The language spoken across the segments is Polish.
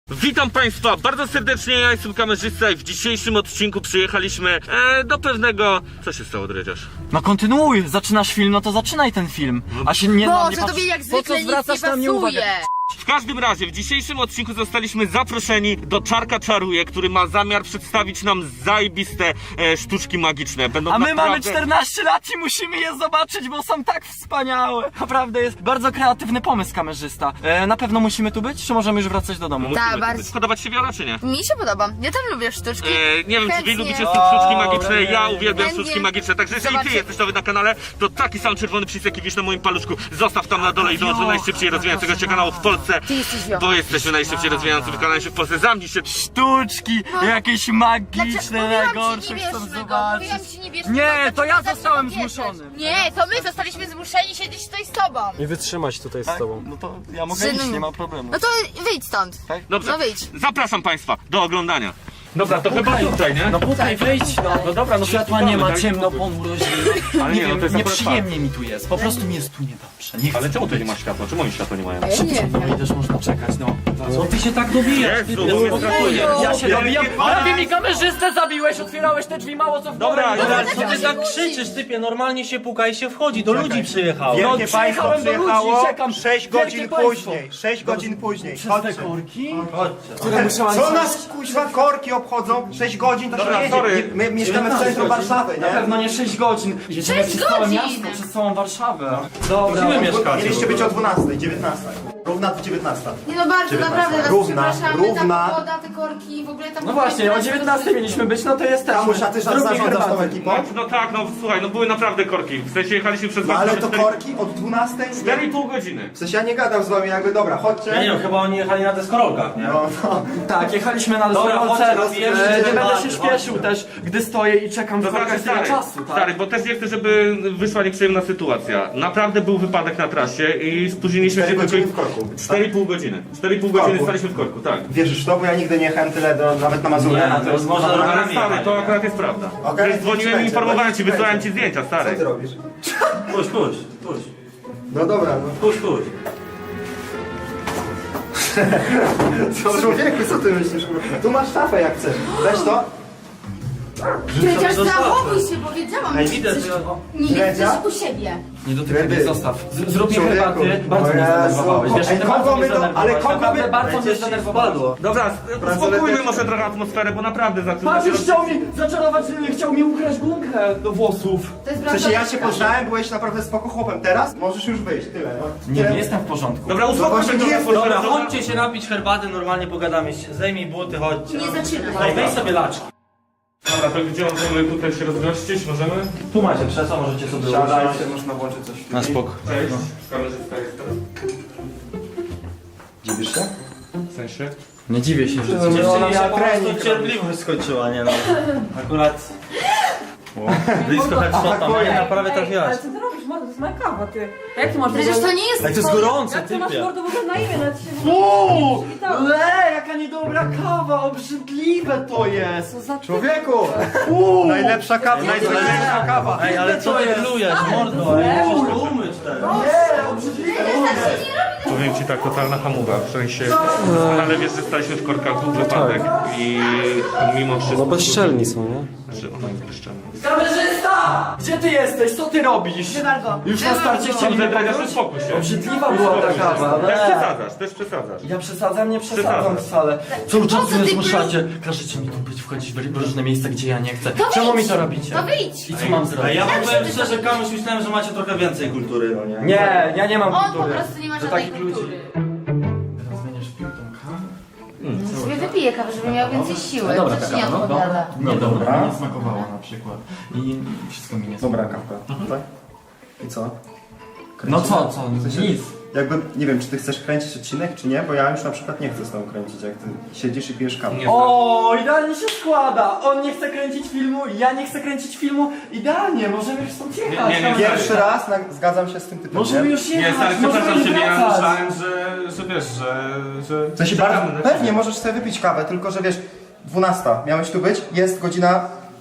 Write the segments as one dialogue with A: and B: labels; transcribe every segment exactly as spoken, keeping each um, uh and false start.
A: Witam Państwa bardzo serdecznie, ja jestem kamerzysta i w dzisiejszym odcinku przyjechaliśmy e, do pewnego... Co się stało, Dredziarz?
B: No kontynuuj, zaczynasz film, no to zaczynaj ten film. A się nie na mnie
C: Boże, tobie jak
B: Po
C: zwykle
B: co
C: nic
B: zwracasz
C: nie
B: na mnie uwagę?
C: pasuje.
A: W każdym razie, w dzisiejszym odcinku zostaliśmy zaproszeni do Czarka Czaruje, który ma zamiar przedstawić nam zajebiste e, sztuczki magiczne. Będą
B: A my
A: naprawdę...
B: mamy czternaście lat i musimy je zobaczyć, bo są tak wspaniałe. Naprawdę jest bardzo kreatywny pomysł kamerzysta. E, na pewno musimy tu być, czy możemy już wracać do domu?
C: Tak, bardzo.
A: Podobać się Wiola, czy nie?
C: Mi się podoba. Ja też lubię sztuczki.
A: E, nie wiem, czy wy
C: Chętnie.
A: lubicie sztuczki magiczne,
B: O,
A: ja
B: nie,
A: uwielbiam
C: chętnie.
A: sztuczki magiczne, także jeżeli ty
C: Zobaczcie.
A: jesteś nowy na kanale, to taki sam czerwony przycisk jaki widzisz na moim paluszku, zostaw tam na dole i dołącz do najszybciej rozwijającego się kanału w Polsce,
C: Ty jesteś Wiola.
A: bo jesteśmy najszybciej rozwijającym kanałem się w Polsce, zamknij się.
B: Sztuczki, jakieś magiczne,
C: Dlaczego?
B: najgorsze,
C: Mówiłam ci, nie
B: chcą
C: bierzmy go,
B: zobaczyć.
C: mówiłam ci, nie bierzmy
B: Nie,
C: go,
B: to ja
C: dlaczego
B: zostałem
C: zaczynam
B: zmuszony.
C: bierzeć? Nie, to my zostaliśmy zmuszeni siedzieć tutaj z tobą.
D: Nie wytrzymać tutaj z
B: Tak?
D: tobą.
B: No to ja mogę
C: Synu.
B: iść, nie ma problemu.
C: No to wyjdź stąd.
A: Dobrze,
C: No wyjdź.
A: zapraszam Państwa do oglądania. Dobra, to chyba tutaj, nie?
B: No tutaj wejdź, no.
A: No dobra, no to
B: Światła
A: jest
B: nie ma,
A: tak?
B: ciemno, ponuro,
A: Ale
B: nie
A: nie, no
B: wiem,
A: to jest
B: nieprzyjemnie mi tu jest. Po prostu mi jest tu niedobrze. Nie chcę.
A: Ale czemu tu nie ma światła? Czemu oni światła nie mają?
C: Ja nie wiem.
B: No i też można czekać, no.
D: Co ty się tak dobijasz?
A: Jezu, bo mnie brakuje.
B: Ja się dobijam, prawie mi kamerzystę zabiłeś, otwierałeś te drzwi, mało co w
A: Dobra,
B: górę.
A: dobra,
D: Co ty tak krzyczysz, typie? Normalnie się puka i się wchodzi. Do ludzi przyjechał.
B: No,
E: Wielkie państwo
B: przyjechałem do ludzi,
E: przyjechało
B: czekam.
E: sześć
B: Wielkie
E: godzin
B: państwo.
E: później. sześć godzin później.
B: Przez te
E: Chodźcie.
B: korki, które musiałam
E: Co nas kuźwa korki obchodzą? sześć godzin to
A: Dobra,
E: się
A: sorry.
E: jedzie. My mieszkamy w centrum Warszawy,
B: Na
E: nie?
B: pewno nie sześć godzin. Jedziemy
C: sześć
B: przez całe
C: godzin!
B: miasto, przez całą Warszawę. Dobra.
D: Gdzie wy mieszkacie?
E: Mieliście być o dwunastej, dziewiętnastej. Równa dziewiętnasta.
C: Nie no bardzo,
E: dziewiętnasta.
C: naprawdę was
E: Równa,
C: przepraszamy,
E: równa.
C: ta pogoda, te korki, w ogóle tam...
B: No właśnie, o dziewiętnastej mieliśmy być, no to jesteśmy.
E: Kamuś, a ty
B: Zróbmy
E: zarządzasz tą
B: herbatę.
E: ekipą?
A: No, no tak, no słuchaj, no były naprawdę korki. W sensie jechaliśmy przez
E: No ale to
A: cztery-
E: korki od dwunastej?
A: cztery i pół godziny.
E: W sensie ja nie gadam z wami jakby, dobra,
D: Ja
E: chodźcie.
D: nie wiem, chyba oni jechali na deskorolkach, nie?
E: No, no.
B: Tak, jechaliśmy na
D: Dobra,
B: deskorolce,
D: chodźcie, rozbierzcie
B: e, nie
D: te
B: będę się
D: baty,
B: śpieszył
D: chodźcie.
B: też, gdy stoję i czekam w
A: To znaczy,
B: korkach tyle
A: stary,
B: czasu, tak?
A: stary, bo też nie chcę, żeby wyszła nieprzyjemna sytuacja. Naprawdę był wypadek na trasie i spóźniliśmy się
E: cztery
A: tylko...
E: godziny w korku.
A: cztery i pół godziny. cztery i pół godziny
E: korku.
A: staliśmy w korku, tak.
E: Wierzysz w to, bo ja nigdy nie jechałem tyle do, nawet na Mazurę.
D: Nie,
E: na
D: to jest można
A: Ale
D: rowerami
A: stary,
D: jechać.
A: to akurat jest prawda.
E: Okej,
A: Przecież dzwoniłem i
E: będzie,
A: informowałem ci,
E: będzie.
A: wysłałem ci zdjęcia,
E: Co
A: stary.
E: ty robisz?
D: Puść, puść, puść.
E: No dobra, no.
D: Puść, puść.
E: Co, człowieku, co ty myślisz? Tu masz szafę jak chcesz. Weź to.
C: Przecież
D: Zostaw.
C: zachowuj się, powiedziałam.
D: Ej,
C: że
D: widzę,
C: chcesz-
D: że...
C: Nie, nie
E: Ledzia?
C: chcesz u siebie.
B: Nie dotykaj mnie,
E: Ryby.
B: zostaw. Z- Zrób mi
E: Człowieku.
B: herbaty, bardzo
E: O
B: mnie
E: Jezu.
B: zdenerwowałeś. Wiesz,
E: Ej,
B: ty
E: kogo
B: bardzo mnie
E: my to- ale
B: zdenerwowałeś.
E: kogo
B: Naprawdę
E: my-
B: bardzo mnie
D: Cię
B: zdenerwowałeś.
D: wpadło.
A: Dobra,
E: Bransoleteczki.
A: spokójmy może trochę atmosferę, bo naprawdę zaczyna
B: Pan
A: się...
B: już chciał mi zaczarować, chciał mi ukraść gumkę do włosów.
C: To jest
E: W sensie ja cię
C: prawda.
E: poznałem, byłeś naprawdę spoko chłopem. Teraz możesz już wyjść, tyle. No.
B: Nie,
E: Tyle.
B: nie jestem w porządku.
A: Dobra, uspokój
E: właśnie
A: się
E: nie
A: trochę,
E: jest-
A: proszę,
D: Dobra,
A: dobra.
D: chodźcie się napić herbaty, normalnie pogadamy. Zdejmij buty, chodźcie.
C: Nie zaczynaj.
D: Ej, weź sobie laczki.
A: Dobra, to gdzie możemy tutaj się rozgościć? Możemy?
D: Tu macie krzesła, możecie sobie
E: Siadaj
D: usiąść.
E: się, można włączyć coś.
D: Na spoko.
A: Cześć, kamerzysta jestem.
E: Dziwisz się?
A: W sensie?
B: Nie dziwię się, że
E: No,
D: Dziewczynie
E: ona
D: się
E: miała
D: po prostu
E: trening
D: cierpliwość skończyła, nie no. Akurat... Blisko headshota, no nie, naprawdę trafiłaś.
F: Ale co ty robisz, mordo? To jest moja kawa, ty. A jak ty masz w
C: Przecież to
F: ogóle...
C: nie jest
D: Jak to jest
C: twoje-
D: gorące,
F: Jak ty masz
D: typie.
F: mordo w ogóle na imię, nawet się...
B: Uuu!
F: przywitałam.
B: Le, jaka niedobra kawa, obrzydliwe to jest!
F: Co za...
E: Człowieku!
B: Uuu!
E: Najlepsza kawa, najlepsza kawa.
D: Ej, ale co ty plujesz, mordo? Ej, musisz to umyć teraz.
B: Nie, obrzydliwe!
A: Powiem ci tak, totalna hamuwa, w sensie, ale wiesz, że staliśmy w korkach, był wypadek i mimo wszystko...
D: No bezczelni są, nie?
A: Znaczy, ona jest bezczelna.
B: Kamerzysta! Gdzie ty jesteś? Co ty robisz? Już na starcie chcieli mnie
A: Dobrze,
B: pokróć?
A: uspokój się.
B: Obrzydliwa była ta kawa.
A: Też
B: Le.
A: przesadzasz, też przesadzasz.
B: Ja przesadzam, nie przesadzam
A: Przesadzasz.
B: wcale. Cały czas
C: co
B: mnie
C: ty
B: zmuszacie. Każecie mi tu być, wchodzić w różne miejsca, gdzie ja nie chcę.
C: To
B: Czemu
C: wyjdź.
B: mi to robicie?
C: To wyjdź.
B: I co mam
D: Ej,
B: zrobić?
D: ja wam powiem szczerze, Kamuś, myślałem, że macie trochę więcej kultury, no nie?
B: Nie, ja nie mam
C: On po
B: kultury.
C: prostu nie ma
B: Do
C: żadnej
B: takich ludzi.
C: kultury.
B: Teraz będziesz pił tą kawę?
C: No sobie wypiję kawę, żeby miał więcej siły.
B: No dobra,
C: To
B: ta
C: ci nie
B: kawa, no,
C: odpowiada.
B: no, nie, dobra, mi nie smakowała na przykład. I wszystko mi nie
E: Dobra
B: smakowało.
E: kawka. Tak? I co?
B: No co, co? Nic.
E: Jakby, nie wiem, czy ty chcesz kręcić odcinek, czy nie, bo ja już na przykład nie chcę z tobą kręcić, jak ty siedzisz i pijesz kawę.
A: Nie.
B: O, idealnie się składa! On nie chce kręcić filmu, ja nie chcę kręcić filmu. Idealnie, możemy już stąd jechać.
A: Nie, nie, nie.
E: Pierwszy raz na, zgadzam się z tym typem,
B: Możemy
E: nie?
B: już jechać,
A: Nie, stary,
B: możemy
A: przepraszam ciebie, ja
B: wracać.
A: myślałem, że, że wiesz, że... że
E: W sensie
A: czekamy
E: bardzo,
A: na
E: pewnie
A: ciebie.
E: możesz sobie wypić kawę, tylko że wiesz, dwunasta, miałeś tu być, jest godzina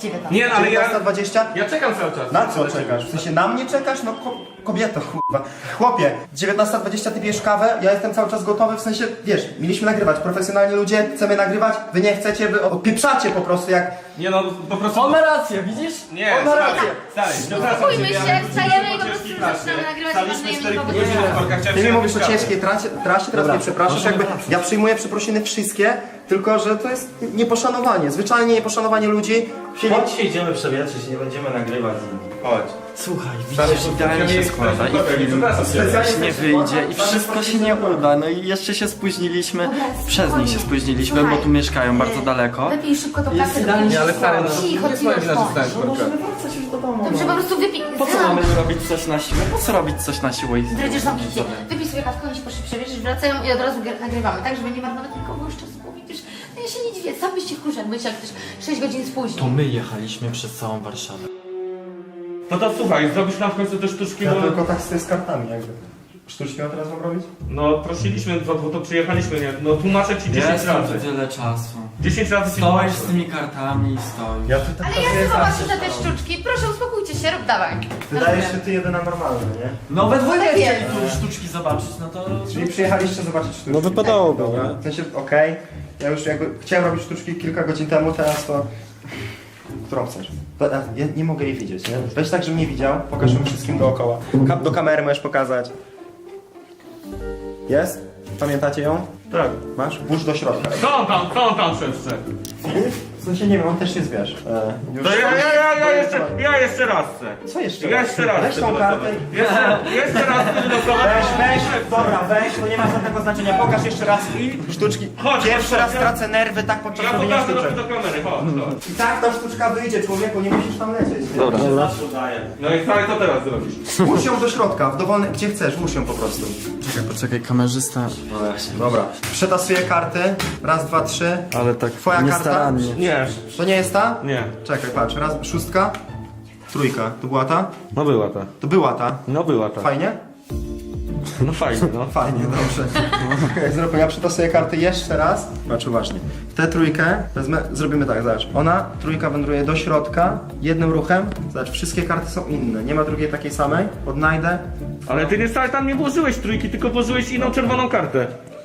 C: dziewiętnasta.
A: Nie, no, ale ja...
E: dziewiętnasta dwadzieścia?
A: Ja czekam cały czas.
E: Na co czekasz? W sensie na mnie czekasz? No ko kobieto, kurwa. Chłopie, dziewiętnasta dwadzieścia ty pijesz kawę, ja jestem cały czas gotowy, w sensie, wiesz, mieliśmy nagrywać, profesjonalni ludzie, chcemy nagrywać, wy nie chcecie, wy odpieprzacie po prostu jak...
A: Nie no, po prostu...
B: On ma rację, widzisz?
A: Nie,
B: On ma
A: stary,
B: rację.
A: stary, przepraszam
C: Spokójmy
A: cię,
C: się,
A: ja-
C: wstajemy i po prostu
A: ciężkiej
C: zaczynamy
A: pracy.
C: nagrywać,
A: Staliśmy
C: ważnymi
A: cztery
C: powodami.
A: godziny na korkach, chciałem
E: Ty mi
A: się
E: mówisz o
A: napić
E: ciężkiej trasie, trasie teraz mnie przepraszasz, jakby ja przyjmuję przeprosiny wszystkie, tylko że to jest nieposzanowanie, zwyczajnie nieposzanowanie ludzi.
D: Chodź się idziemy przewietrzyć, nie będziemy nagrywać z nimi. Chodź.
B: Słuchaj, widzisz, idealnie się składa i film
E: Specjalnie
B: nie wyjdzie i wszystko się nie uda. No i jeszcze się spóźniliśmy, przez nich się spóźniliśmy, bo tu mieszkają bardzo daleko.
C: Wypij szybko tą
B: Jest
C: kawę.
B: idealnie,
C: do
B: ale
C: pięciu.
B: stary, no,
C: Cicho,
A: nie
C: cicho,
A: powiem, że
C: cicho.
A: zostałem.
B: No możemy wracać już do domu.
C: Dobrze, po prostu wypij.
B: Po co mamy robić coś na siłę? Po co robić coś na siłę? i-
C: Dredziesz zamknięcie. Wypij sobie kawkę, oni się poszli przewieźć, wracają i od razu gr- nagrywamy, tak? Żeby nie marnować nikogo już czasu, bo widzisz, no ja się nie dziwię, sam byś się wkurzał, jakbyś jak też sześć godzin spóźnił.
B: To my jechaliśmy przez całą Warszawę.
A: No to słuchaj, zrobisz nam w końcu te sztuczki,
E: Ja
A: bo...
E: tylko tak z z kartami jakby. Sztuczki od razu mam robić?
A: No prosiliśmy, bo, bo to przyjechaliśmy, nie? No tłumaczę ci dziesięć
B: Jest
A: razy.
B: tu tyle czasu.
A: dziesięć razy ci
B: Stoisz
A: tłumaczę.
B: z tymi kartami i stoisz.
E: Ja tutaj
C: Ale ja chcę zobaczyć na te sztuczki, proszę uspokójcie się, rób dawaj.
E: Wydaje się ty jedyna normalna, nie?
B: No we dwójkę
C: tak
B: chcieli
C: jest.
B: tu sztuczki zobaczyć, no to...
E: Czyli przyjechaliście zobaczyć sztuczki.
G: No wypadałoby,
E: Dobra.
G: nie?
E: W sensie, okej, ja już jakby chciałem robić sztuczki kilka godzin temu, teraz to... Którą chcesz? To, ja ja nie mogę jej widzieć, nie? Weź tak, żebym nie widział, pokaż ją wszystkim dookoła. Ka do kamery możesz pokazać. Jest? Pamiętacie ją?
A: Tak.
E: Masz? Włóż do środka.
A: Co on tam, co on tam szepcze?
E: W sensie nie wiem, on też jest, wiesz. E, już...
A: To ja, ja, ja, ja, jeszcze, ja jeszcze raz chcę.
E: Co jeszcze
A: Ja
E: raz?
A: jeszcze raz
E: Weź
A: chcę
E: tą
A: wylosować.
E: kartę i...
A: Jeszcze, jeszcze raz chcę wylosować.
E: Weź, weź, dobra, weź, to nie ma żadnego znaczenia. Pokaż jeszcze raz i sztuczki.
A: Chodź,
E: Pierwszy
A: chodź,
E: raz
A: ja-
E: tracę nerwy tak podczas
A: Ja
E: robienia
A: pokażę
E: sztuczek.
A: do, do kamery, chodź, chodź.
E: I tak ta sztuczka wyjdzie, człowieku, nie musisz tam lecieć.
B: Dobra.
D: Zawsze udaję.
A: No i stary, co teraz zrobisz?
E: Włóż ją do środka, w dowolny, gdzie chcesz, włóż ją po prostu.
B: Czekaj, poczekaj, kamerzysta.
E: Dobra. Przetasuję karty. Raz, dwa, trzy.
B: Ale tak
E: Twoja
B: niestarannie.
A: Nie,
E: To nie jest ta?
A: nie.
E: Czekaj, patrz. Raz, szóstka. Trójka. To była ta?
A: No była ta.
E: To była ta.
A: No była ta.
E: Fajnie?
A: No fajnie, no.
E: Fajnie, dobrze. Okay, zrobię, ja przetasuję karty jeszcze raz. Patrz uważnie. Tę trójkę wezmę, zrobimy tak, zobacz. Ona, trójka wędruje do środka, jednym ruchem. Zobacz, wszystkie karty są inne. Nie ma drugiej takiej samej. Odnajdę.
A: Ale ty nie stary, tam nie włożyłeś trójki, tylko włożyłeś inną czerwoną kartę.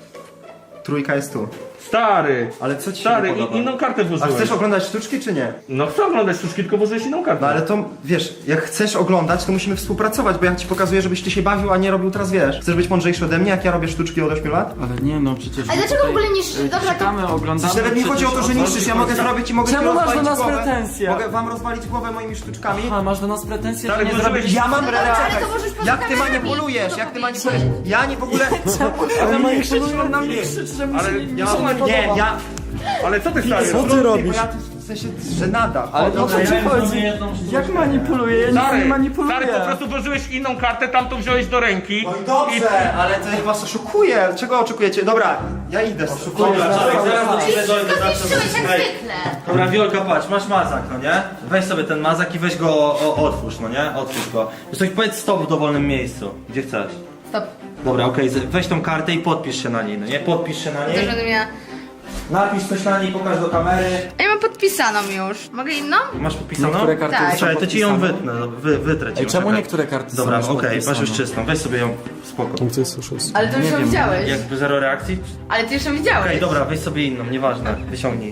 E: Trójka jest tu.
A: Stary.
E: Ale co ci się
A: Stary,
E: nie podoba?
A: i, inną kartę
E: A
A: włożyłeś.
E: chcesz oglądać sztuczki czy nie?
A: No chcę oglądać sztuczki, tylko włożyłeś inną kartę.
E: No ale to, wiesz, jak chcesz oglądać, to musimy współpracować, bo ja ci pokazuję, żebyś ty się bawił, a nie robił teraz, wiesz. Chcesz być mądrzejszy ode mnie, jak ja robię sztuczki od ośmiu lat?
B: Ale nie no, przecież...
C: Ale dlaczego w ogóle niszczysz?
B: y,
C: Dobra, to-
B: Czekamy, oglądamy...
E: Przecież nawet nie chodzi o to, że
B: przecież
E: niszczysz, ja mogę zrobić i mogę
B: Czemu
E: ci
B: masz do
E: rozwalić
B: nas
E: głowę.
B: pretensje?
E: Mogę wam rozwalić głowę moimi sztuczkami.
B: Aha, masz do nas pretensje,
A: Stary,
B: że nie
A: włożyłeś-
B: zrobiliśmy...
E: Ja mam
C: No dobrze, ale
E: relację.
C: to możesz poza
E: Jak ty
C: kamerami
E: manipulujesz,
C: to
E: jak ty
C: powiedzieć.
E: manipulujesz? Ja nie w ogóle...
B: Ale manipulują na mnie krzyczy, że mi
A: Ale
B: się nie
E: Ja,
B: się nie
E: nie,
B: podoba.
E: ja...
A: Ale co ty stary?
G: Co ty robisz?
E: Bo ja tu, w sensie, żenada.
B: Ale o co ci chodzi? Jak manipuluję? Ja nic
A: Stary,
B: nie manipuluję.
A: stary, po prostu włożyłeś inną kartę, tamtą wziąłeś do ręki.
E: No i dobrze, ale to ja was oszukuję. Czego oczekujecie? Dobra, ja idę.
D: Dobra, Czarek, zaraz do ciebie dojdę,
C: To
D: zacznę
C: zniszczyłeś jak
D: Ej,
C: zwykle.
D: Dobra, Wiolka, patrz, masz mazak, no nie? Weź sobie ten mazak i weź go, o, otwórz, no nie? Otwórz go. Coś powiedz stop w dowolnym miejscu, gdzie chcesz.
C: Stop.
D: Dobra, okej, z- weź tą kartę i podpisz się na niej, no nie? Podpisz się na
C: Też
D: niej,
C: będę miała...
D: napisz coś na niej, pokaż do kamery.
C: Ja mam podpisaną już. Mogę inną?
D: Masz podpisaną?
B: Niektóre karty
C: Tak.
B: są
D: Czekaj, to ci ją
B: podpisane.
D: wytnę, no, wy, wytrę ci
B: Ej,
D: ją,
B: czemu
D: czekaj.
B: niektóre karty
D: Dobra,
B: są już
D: okej, masz już
B: podpisane?
D: czystą, weź sobie ją, spoko.
G: Punkty jest szósty.
C: Ale ty już
B: Nie
C: ją
B: wiem.
C: widziałeś.
D: Jakby zero reakcji?
C: Ale ty już ją widziałeś.
D: Okej, dobra, weź sobie inną, nieważne, wyciągnij.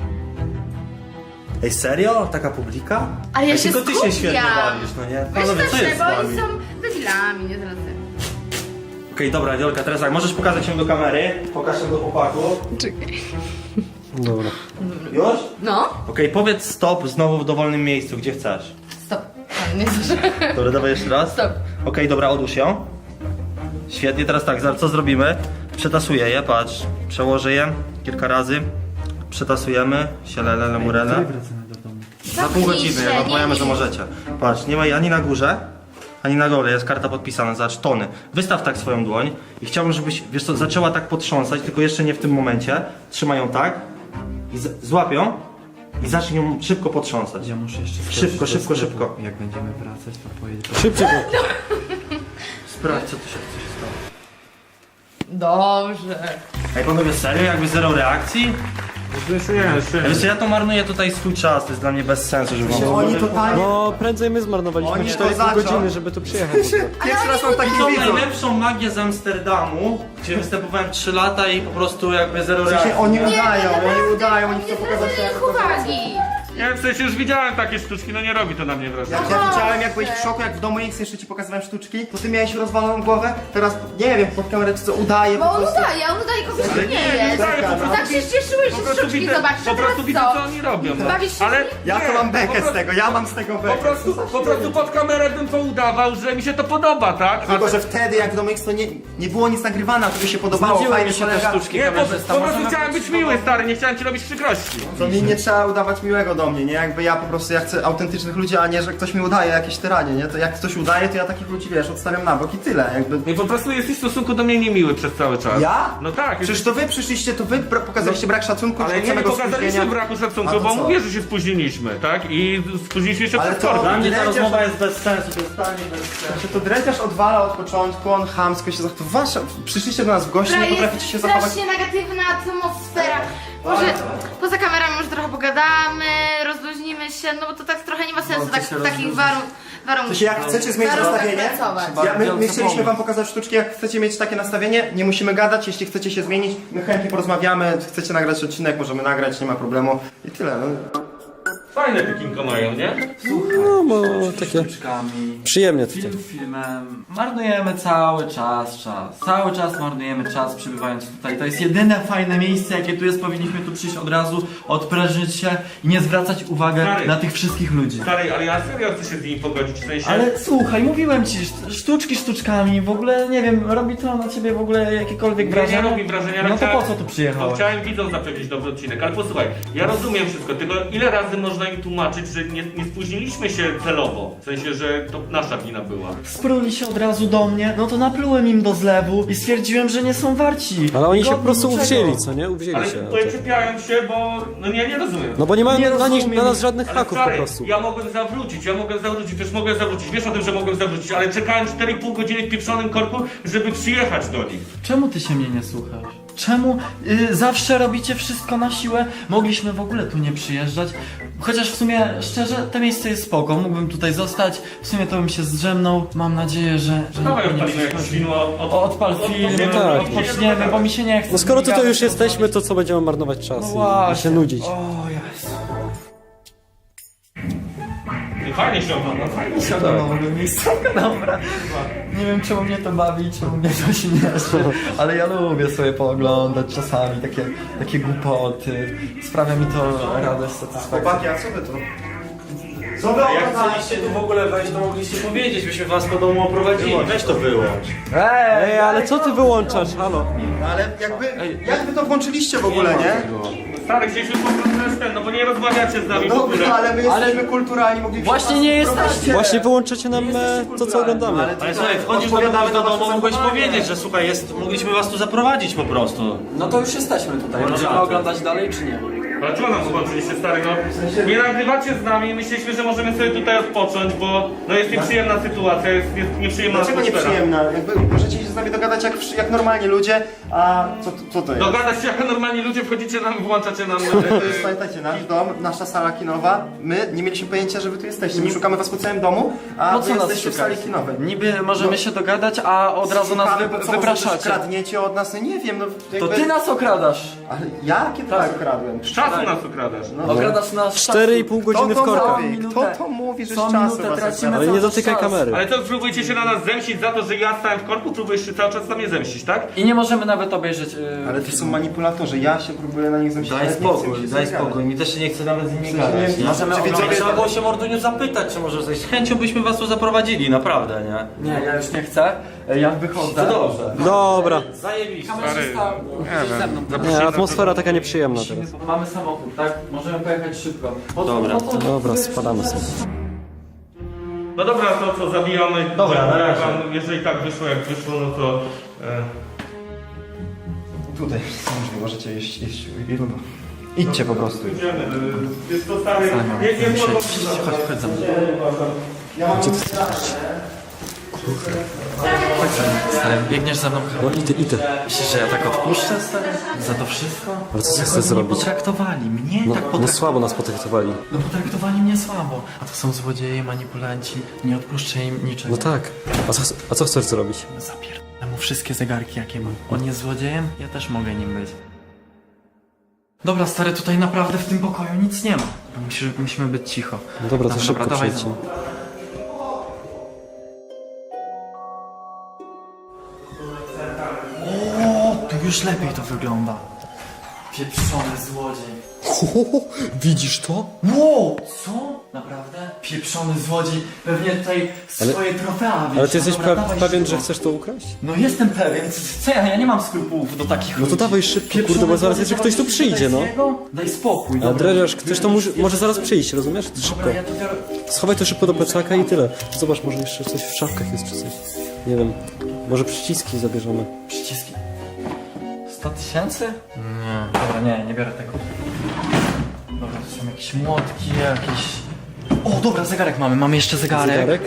D: Ej, serio? Taka publika?
C: Ale ja
D: Ej,
C: się
D: tylko ty się
C: skupiam.
D: świetnie bawisz, no nie?
C: Weź
D: Panowie, co
C: proszę,
D: jest z
C: bo
D: wami?
C: oni są debilami, nie teraz.
D: Okej, dobra, Wiolka, teraz tak, możesz pokazać ją do kamery, pokaż ją do chłopaku.
C: Czekaj.
G: Dobra.
D: Już?
C: No.
D: Okej, powiedz stop znowu w dowolnym miejscu, gdzie chcesz.
C: Stop. A, nie zdążyłem.
D: Dobra, dawaj jeszcze raz.
C: Stop.
D: Okej, dobra, odłóż ją. Świetnie, teraz tak, zaraz co zrobimy? Przetasuję je, patrz. Przełożę je kilka razy. Przetasujemy. Sielele, murele. Za pół
C: Zamknij
D: godziny,
C: się,
D: jak wam
C: nie,
D: powiemy,
C: nie.
D: że możecie. Patrz, nie ma jej ani na górze, ani na dole, jest karta podpisana, zobacz, tony. Wystaw tak swoją dłoń i chciałbym, żebyś, wiesz co, zaczęła tak potrząsać, tylko jeszcze nie w tym momencie. Trzymaj ją tak i z- złap ją i zacznij ją szybko potrząsać.
B: Ja muszę jeszcze skoczyć
D: Szybko,
B: do
D: szybko,
B: sklepu.
D: szybko.
B: Jak będziemy wracać, to pojedę.
G: Szybciej go.
D: Sprawdź, co tu się, co się stało.
C: Dobrze.
D: Ej, panowie, serio? Jakby zero reakcji? Wiesz, ja to marnuję tutaj swój czas, to jest dla mnie bez sensu, żeby wam...
E: Oni totalnie...
G: No, prędzej my zmarnowaliśmy
E: Oni
G: cztery i pół
E: kozaczą.
G: godziny, żeby tu przyjechać.
E: Pierwszy raz mam taki
D: Tą
E: widzów.
D: najlepszą magię z Amsterdamu, gdzie występowałem trzy lata i po prostu jakby zero
E: W sensie
D: reakcji.
E: oni
C: Nie,
E: udają,
C: nie,
E: oni udają, oni chcą
C: nie
E: pokazać
C: zwracaj
E: jak
C: ich uwagi.
A: Ja w sensie już widziałem takie sztuczki, no nie robi to na mnie wrażenia.
E: Jak ja widziałem, jak byłeś w szoku, jak w domu X jeszcze ci pokazywałem sztuczki, to ty miałeś rozwaloną głowę, teraz nie wiem, pod kamerę czy co udaje po
C: Bo on
E: prostu.
C: udaje, on udaje kogoś, kto nie
A: nie
C: jest.
A: udaje, po prostu-
C: Tak się cieszyłeś,
A: Po
C: że
A: prostu
C: sztuczki
A: widzę,
C: zobaczysz,
A: po
C: a
A: prostu
C: teraz
A: widzę
C: co?
A: co oni robią. No.
C: Bawisz się
A: Ale
C: z nimi?
E: Ja to
A: nie,
E: mam
A: po
E: bekę z
A: prostu-
E: tego, ja mam z tego
A: Po
E: bekę.
A: prostu, po prostu pod kamerę bym to udawał, że mi się to podoba, tak? A
E: Tylko, że wtedy jak w domu X to nie, nie było nic nagrywane, a to by się podobało,
B: Znudziły
E: fajnie
B: mi się te
E: kolega.
B: sztuczki.
A: nie, po,
B: kamerzysta,
A: po prostu
B: możemy
A: chciałem być miły, stary, nie chciałem ci robić przykrości.
E: To mi nie trzeba udawać miłego do mnie, nie? Jakby ja po prostu, ja chcę autentycznych ludzi, a nie, że ktoś mi udaje jakieś tyranie, nie? To jak ktoś udaje, to ja takich ludzi, wiesz, odstawiam na bok i tyle, jakby...
A: I po prostu jesteś w stosunku do mnie niemiły przez cały czas.
E: Ja?
A: No tak.
E: Przecież to wy przyszliście, to wy bra- pokazaliście brak szacunku
A: Ale
E: od
A: nie
E: samego
A: pokazaliśmy
E: spóźnienia.
A: braku
E: A
A: szacunku,
E: to
A: bo
E: co?
A: mówię, że się spóźniliśmy, tak? I spóźniliśmy się
E: Ale
A: przed
E: to-
A: korkiem.
D: Dla mnie ta
E: Drędziarz-
D: rozmowa jest bez sensu, to jest totalnie bez sensu.
E: Znaczy to dręciarz odwala od początku, on chamsko się zachował. Wasza, przyszliście do nas w gości,
C: Która
E: nie potraficie
C: jest
E: się zachować.
C: strasznie negatywna atmosfera. Może poza kamerami może trochę pogadamy, rozluźnimy się, no bo to tak trochę nie ma sensu tak, w takich warun
E: To
C: warunkach.
E: się jak chcecie zmienić
C: warunkach
E: nastawienie,
C: pracować.
E: ja, my, my
B: Bardzo
E: chcieliśmy
B: pomóc.
E: wam pokazać sztuczki, jak chcecie mieć takie nastawienie, nie musimy gadać, jeśli chcecie się zmienić, my chętnie porozmawiamy, chcecie nagrać odcinek, możemy nagrać, nie ma problemu i tyle. No.
A: Fajne pikinko mają, nie?
G: No, bo takie
B: Sztuczkami.
G: przyjemnie tutaj.
B: Film filmem. Marnujemy cały czas czas. Cały czas marnujemy czas przybywając tutaj. To jest jedyne fajne miejsce, jakie tu jest. Powinniśmy tu przyjść od razu, odprężyć się i nie zwracać uwagi
A: Stary.
B: na tych wszystkich ludzi.
A: Stary, ale ja serio chcę się z nimi pogodzić, w sensie...
B: Ale słuchaj, mówiłem ci, szt- sztuczki sztuczkami, w ogóle nie wiem, robi to na ciebie w ogóle jakiekolwiek
A: Nie,
B: wrażenie?
A: nie robi wrażenia, ale
B: No to po
A: chciałem-
B: co tu przyjechałeś?
A: No, chciałem widzom zapewnić dobry odcinek, ale posłuchaj, ja rozumiem wszystko, tylko ile razy można im tłumaczyć, że nie, nie spóźniliśmy się celowo, w sensie, że to nasza wina była.
B: Spruli się od razu do mnie, no to naplułem im do zlewu i stwierdziłem, że nie są warci.
G: Ale oni się po
B: Godni
G: prostu
B: niczego.
G: uwzięli, co nie? Uwzięli
A: Ale
G: się.
A: tutaj czepiają się, bo... no nie, nie rozumiem.
G: No bo nie mają
B: Nie
G: na, nich,
B: rozumiem.
G: na nas żadnych
A: Ale
G: haków po
A: stary,
G: prostu.
A: ja mogłem zawrócić, ja mogłem zawrócić, wiesz, mogłem zawrócić, wiesz o tym, że mogłem zawrócić, ale czekałem cztery i pół godziny w pieprzonym korku, żeby przyjechać do nich.
B: Czemu ty się mnie nie słuchasz? Czemu y, zawsze robicie wszystko na siłę? Mogliśmy w ogóle tu nie przyjeżdżać. Chociaż w sumie, szczerze, to miejsce jest spoko. Mógłbym tutaj zostać. W sumie to bym się zdrzemnął. Mam nadzieję, że, że
A: Dawaj
B: nikt mi nie
A: odpalimy jakieś
B: przeszkodzi.
A: film, od,
B: O, odpal film,
A: odpoczniemy,
G: tak.
B: odpoczniemy, bo mi się nie chce.
G: No skoro tutaj już
B: gadać,
G: jesteśmy, to co będziemy marnować czas
B: No
G: i, i
B: właśnie.
G: się nudzić.
B: O Jezu.
A: Fajnie się ogląda, fajnie się
B: Siadam na w ogóle miejscówka, dobra. Nie wiem czemu mnie to bawi, czemu mnie to śmieszy, ale ja lubię sobie pooglądać czasami takie, takie głupoty. Sprawia mi to radość, satysfakcję.
E: Chłopaki, a co wy tu? Co wy
D: Jak
E: oglądacie?
D: chcieliście tu w ogóle wejść, to mogliście powiedzieć, byśmy was po domu oprowadzili. Weź to wyłącz.
G: Ej, ale co ty wyłączasz? Halo?
E: Ale jakby, jak wy to włączyliście w ogóle, nie?
A: Stary, chcieliśmy po prostu też ten, no bo nie rozmawiacie z nami w
E: No,
A: ogóle.
E: ale my jesteśmy kulturalni, moglibyśmy
B: Właśnie
E: was
B: nie
E: wprowadzić.
B: jesteście.
G: Właśnie wyłączacie nam e, to, co oglądamy.
E: Ale,
D: Ale słuchaj, wchodzisz do kogoś do domu, mogłeś powiedzieć, że słuchaj, jest, mogliśmy was tu zaprowadzić po prostu.
B: No to już jesteśmy tutaj. Możemy oglądać dalej czy nie?
A: Ale czego nam zobaczyliście, stary, no? Nie nagrywacie z nami, myśleliśmy, że możemy sobie tutaj odpocząć, bo no jest nieprzyjemna sytuacja, jest, jest nieprzyjemna
E: Dlaczego
A: atmosfera.
E: nieprzyjemna? Jakby możecie się z nami dogadać jak, wszy- jak normalni ludzie, a co, co to jest?
A: Dogadać się jak normalni ludzie, wchodzicie nam, włączacie nam...
E: To jest, pamiętajcie, nasz dom, nasza sala kinowa, my nie mieliśmy pojęcia, że wy tu jesteście, my szukamy was po całym domu, a
B: Po
E: wy
B: co nas
E: jesteście w sali
B: szukacie?
E: kinowej.
B: Niby możemy się dogadać, a od razu nas
E: Szukamy,
B: wy,
E: bo co, może coś
B: wypraszacie.
E: kradniecie od nas? No nie wiem, no
B: To
E: jakby...
B: ty nas okradasz.
E: Ale ja? Kiedy
B: Tak.
E: was okradłem?
A: Z czasu nas okradasz.
E: No.
B: Okradasz nas.
G: Cztery i pół godziny w
E: Kto to
G: korkach.
E: mówi?
B: Minutę.
E: Kto to mówi, że z
B: Co
E: czasu
B: minutę
E: was
B: tracimy.
E: okradłem?
G: Ale nie
B: cały
G: dotykaj
B: czas.
G: kamery.
A: Ale co, próbujecie się na nas zemścić za to, że ja stałem w korku? Próbujesz się cały czas na mnie zemścić, tak?
B: I nie możemy nawet obejrzeć. Yy,
E: Ale to są manipulatorzy, ja się próbuję na nich zemścić.
D: Daj
E: ale nie chcę mi
D: spokój,
E: się
D: daj
E: z nimi
D: spokój, mi też się nie chce nawet z nimi
E: sensie
D: gadać.
E: nie-
D: nie?
B: Możemy
E: Czy
B: oglądać-
E: widzowie-
D: Trzeba było się Morduniu zapytać, czy może coś. Z chęcią byśmy was tu zaprowadzili, naprawdę, nie?
B: Nie, ja już nie chcę. E, Ja wychodzę.
D: To dobrze.
G: Dobra.
D: Zajebiście.
B: Kamerzysta, musisz ze mną.
G: Nie, atmosfera taka nieprzyjemna teraz.
B: Mamy samochód, tak? Możemy pojechać szybko. Po co-
D: Dobra.
B: po co-
G: Dobra, spadamy sobie.
A: No dobra, to co, zabijamy.
D: Dobra, na razie.
A: Wam, jeżeli tak wyszło jak wyszło, no to... E,
E: Tutaj, możliwe, możecie iść, iść. Idźcie po prostu.
A: idziemy. E, Jest to stary... Nie, nie, nie,
B: Chodź, chodź za mną.
E: Ja mam
B: Stary, biegniesz za mną.
G: No idę, idę.
B: Myślisz, że ja tak odpuszczę, stary? Za to wszystko?
G: Ale co
B: Jak
G: chcesz
B: oni
G: zrobić?
B: mnie potraktowali, mnie
G: No,
B: tak
G: no
B: potraktowali.
G: słabo nas potraktowali.
B: No potraktowali mnie słabo. A to są złodzieje, manipulanci. Nie odpuszczę im niczego.
G: No tak. A co, a co chcesz zrobić?
B: Zapierdolę mu wszystkie zegarki, jakie mam. On jest złodziejem, ja też mogę nim być. Dobra, stary, tutaj naprawdę w tym pokoju nic nie ma. Musi, musimy być cicho.
G: No dobra, to
B: Dobra,
G: szybko
B: dobra, dawaj
G: przejdźcie.
B: za mną. O, tu już lepiej to wygląda. Pieprzony złodziej.
G: Widzisz to?
B: Wow, co? Naprawdę? Pieprzony złodziej. Pewnie tutaj swoje trofea wiesz.
G: Ale ty jesteś
B: Dobra,
G: pra-
B: dawaj
G: pewien,
B: szybko.
G: że chcesz to ukraść?
B: No jestem pewien. Co ja? Ja nie mam skrupułów do takich
G: No
B: ludzi.
G: to dawaj szybko,
B: Pieprzony
G: kurde, bo zaraz
B: złodziej,
G: jeszcze ktoś tu
B: daj
G: przyjdzie, no.
B: jego. Daj spokój.
G: A
B: dobra.
G: dredziarz, ktoś to może, może zaraz przyjść, rozumiesz? Szybko.
B: Dobra, ja to biorę.
G: Schowaj to szybko do plecaka i tyle. Zobacz, może jeszcze coś w szafkach jest czy coś. Nie wiem. Może przyciski zabierzemy.
B: Przyciski. sto tysięcy? Nie. Dobra, nie, nie biorę tego. Dobra, to są jakieś młotki, jakieś... O, dobra, zegarek mamy, mamy jeszcze zegarek.
G: Zegarek?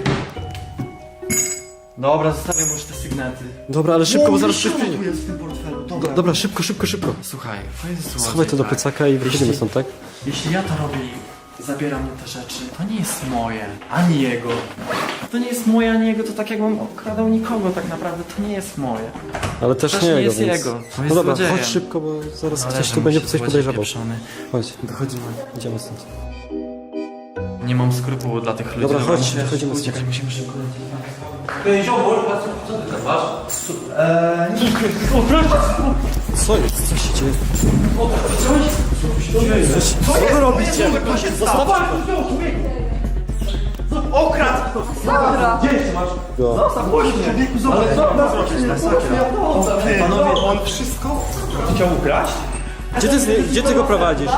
B: Dobra, zostawię mu już te sygnety.
G: Dobra, ale szybko, bo zaraz
B: jeszcze
G: ktoś przyjdzie.
B: tu jest w tym portfelu,
G: Do,
B: dobra.
G: dobra, szybko, szybko, szybko.
B: Słuchaj, to jest złodziej,
G: Schowaj to do
B: tak.
G: plecaka i wychodzimy
B: Jeśli-
G: stąd, tak?
B: Jeśli ja to robię i zabieram mu te rzeczy, to nie jest moje, ani jego. To nie jest moje, ani jego, to tak jakbym okradał nikogo tak naprawdę, to nie jest moje.
G: Ale też,
B: Też
G: nie
B: nie
G: jego,
B: jest
G: więc...
B: jego, to
G: No
B: jest
G: dobra,
B: złodziejem.
G: chodź szybko, bo zaraz
B: Ale
G: ktoś
B: że
G: tu będzie
B: musi
G: coś
B: złodziej
G: podejrzewał.
B: pieprzony.
G: Chodź, wychodzimy, idziemy stąd.
B: Nie mam skrupułu dla tych ludzi.
G: Dobra, chodź,
B: musimy
G: wychodzimy
B: uciekać,
G: stąd.
B: musimy szybko lecieć.
G: Co jest? Co się dzieje?
E: Panowie, on wszystko chciał ukraść?
G: Gdzie ty, gdzie ty go prowadzisz?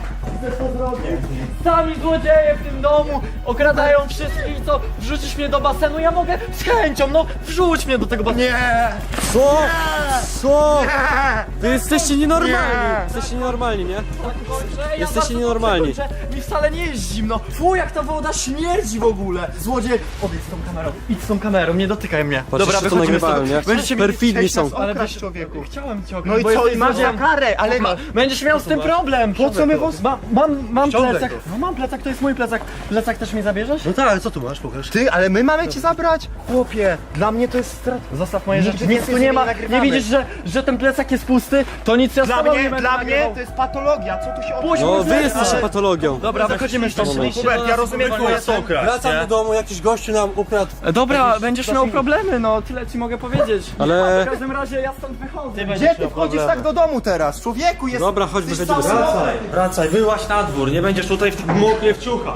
B: Sami złodzieje w tym domu okradają wszystkich, co wrzucisz mnie do basenu, ja mogę z chęcią, no wrzuć mnie do tego basenu. Nie!
G: Co? Co? Wy jesteście nienormalni! Jesteście nienormalni, nie? Jesteście nienormalni.
B: Mi wcale nie jest zimno. Fu, jak ta woda śmierdzi w ogóle. Złodziej, odejdź z tą kamerą. Idź z tą kamerą, nie dotykaj mnie.
G: Patrz, jeszcze to
B: wychodzimy
G: nagrywają,
B: stąd.
G: nie?
B: Będziecie mieli
G: Perfidni
E: Chciałeś
G: są.
E: nas
B: Ale
E: okraść,
B: wiesz-
E: człowieku.
B: Chciałem cię
E: No i
B: bo
E: co,
B: jesteś
E: i masz za
B: złodziejem.
E: karę, ale...
B: Dobra, będziesz miał z tym problem.
E: Po co my was...
B: Ma, mam, mam
E: Ściągaj
B: plecak.
E: go.
B: No mam plecak, to jest mój plecak. Plecak też mi zabierzesz?
E: No tak, ale co tu masz, pokaż. Ty, ale my mamy cię zabrać? Chłopie, dla mnie to jest strat...
B: Zostaw moje
E: Nigdy
B: rzeczy, nic
E: więcej
B: tu nie
E: z
B: ma.
E: nimi nie
B: Nie
E: nagrywamy.
B: widzisz, że, że ten plecak jest pusty? To nic ja z
E: Dla
B: tobą nie
E: mnie,
B: będę
E: dla mnie
B: nagrywał.
E: to jest patologia, co tu się
B: Puść
G: No
B: mój
G: wy
B: plecak.
G: jesteście patologią.
B: Dobra, wychodzimy stąd.
E: Hubert, ja rozumiem twoje sokra.
H: Wracam do domu, jakiś gościu nam ukradł.
B: Dobra, będziesz miał problemy, no tyle ci mogę powiedzieć.
G: Ale-
B: W każdym razie ja stąd wychodzę.
E: Gdzie ty wchodzisz tak do domu teraz? Człowieku, jest...
G: Dobra, chodź,
E: jesteś
G: wychodzimy
E: cały
G: stąd.
E: mokry.
H: Wracaj, wyłaź na dwór, nie będziesz tutaj w moknie w ciucha.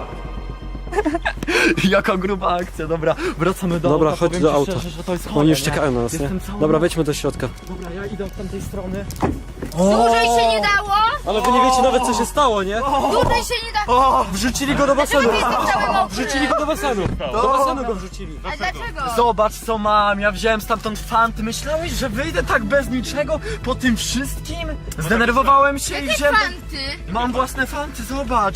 B: Jaka gruba akcja, dobra, wracamy do
G: Dobra,
B: auta.
G: chodź
B: powiem
G: do
B: ci
G: auta.
B: Szczerze, że to jest chore,
G: Oni już
B: nie?
G: czekają na nas, nie?
B: Jestem cały
G: Dobra,
B: mokry.
G: wejdźmy do środka.
B: Dobra, ja idę od tamtej strony.
C: Dłużej się nie dało?
G: Ale wy nie wiecie nawet co się stało, nie?
C: Dłużej się nie dało.
G: Wrzucili go do basenu!
C: Dlaczego ty jestem cały mokry?
G: Wrzucili go do basenu! Do basenu go wrzucili!
C: A dlaczego?
B: Zobacz co mam, ja wziąłem stamtąd fanty. Myślałeś, że wyjdę tak bez niczego po tym wszystkim? Zdenerwowałem się i
C: Jakie
B: wziąłem...
C: fanty?
B: Mam własne fanty, zobacz.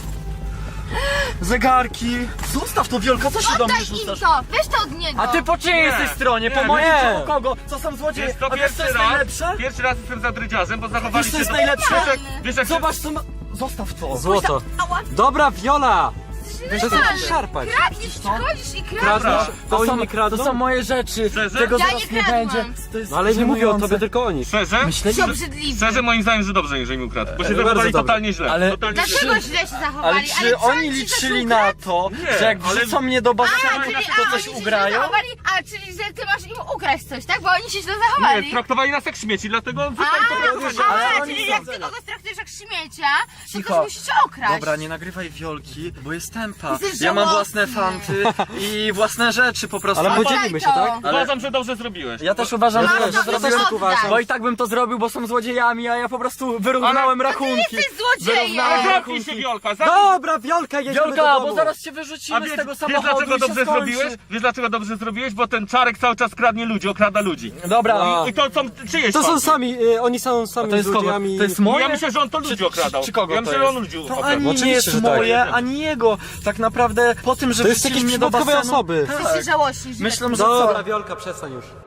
B: Zegarki. Zostaw to, Wiolka, co się do mnie
C: Oddaj im
B: rzucasz?
C: to, weź to od niego.
B: A ty po czyjej jesteś stronie? Po mojej
G: nie.
B: czy po kogo? Co są złodzieje?
A: Jest to
B: A wiesz co
A: pierwszy
B: jest
A: raz,
B: najlepsze?
A: pierwszy raz jestem za drydziarzem, bo zachowali
B: Wiesz co
A: się
B: jest
A: do...
B: najlepsze?
A: Wiesz jak, wiesz jak
B: Zobacz co ma... Zostaw to.
G: Złoto!
C: Ała,
G: Dobra, Viola! Przestań
C: normalny.
G: się szarpać!
C: Kradniesz, przychodzisz i kradniesz.
G: Kradniesz? A
B: To
G: oni
B: są,
G: nie kradną?
B: to są moje rzeczy.
A: Szczerze?
B: Tego
C: Ja
B: zaraz
C: nie
B: nie
C: kradłam.
B: będzie. To jest
G: No ale nie mówię o
B: żenujące.
G: tobie, tylko o nich.
A: Szczerze?
B: Myślę,
C: To
B: że...
C: obrzydliwy.
A: Szczerze moim zdaniem, że dobrze, jeżeli mi ukradł. Bo się
G: bardzo
A: zachowali
G: dobrze.
A: totalnie źle.
B: Ale-
A: Totalnie źle.
C: Dlaczego źle się zachowali?
B: Ale czy
C: co
B: oni
C: ci coś
B: liczyli
C: ukradł?
B: na to,
A: Nie,
B: że jak
A: ale-
B: wrzucą mnie do
C: A,
B: basenu,
C: czyli,
B: to
C: a,
B: coś
C: oni się źle
B: ugrają?
C: zachowali? A, czyli że ty masz im ukraść coś, tak? Bo oni się źle
A: Nie,
C: zachowali.
A: traktowali nas jak śmieci, dlatego...
C: A,
B: ale
C: a,
B: oni
C: czyli
B: są-
C: jak ty kogoś traktujesz jak śmiecia, to
B: Cicho.
C: też musicie okraść.
B: Dobra, nie nagrywaj Wiolki, bo jest tempa.
C: Jesteś
B: Ja mam
C: żałosny.
B: własne fanty i własne rzeczy po prostu.
G: Ale
C: Oddaj
G: podzielimy się,
C: to.
G: tak?
A: Uważam, że dobrze zrobiłeś.
B: Ja też uważam,
C: No,
B: że
C: no,
B: dobrze
C: no,
B: zrobiłem,
C: no, oddaj.
B: bo i tak bym to zrobił, bo są złodziejami, a ja po prostu wyrównałem rachunki.
C: jesteś złodziejem.
B: Wyrównałem
A: Zamknij
B: rachunki.
A: się, Wiolka, zamknij
G: Dobra, Wiolka, jedziemy
B: Wiolka,
G: do domu!
B: bo zaraz cię
A: A
B: wyrzucimy
A: wiesz,
B: z tego
A: wiesz
B: samochodu
A: dlaczego
B: i się
A: dobrze
B: skończy.
A: zrobiłeś? Wiesz dlaczego dobrze zrobiłeś? Bo ten Czarek cały czas kradnie ludzi, okrada ludzi.
B: Dobra,
G: A.
A: I to są czyjeś
G: To są
A: fanty.
G: sami, y, oni są sami
B: to jest kogo?
G: złodziejami.
B: To jest moje?
A: Ja myślę, że on to ludzi okradał.
B: Czy kogo
A: Ja
B: to
A: myślę, że on
B: jest?
A: ludzi
B: To
A: okradał.
B: ani nie
G: Oczywiście,
B: jest
G: że tak.
B: moje, ani jego. Tak naprawdę po tym, że
G: To jest
B: wrzucili
G: jakieś
B: mnie do
G: przypadkowe
B: basenu...
G: osoby.
C: Ty się
B: Tak.
C: żałościsz.
B: Myślę, że
G: Dobra,
B: co?
G: Wiolka, przestań już.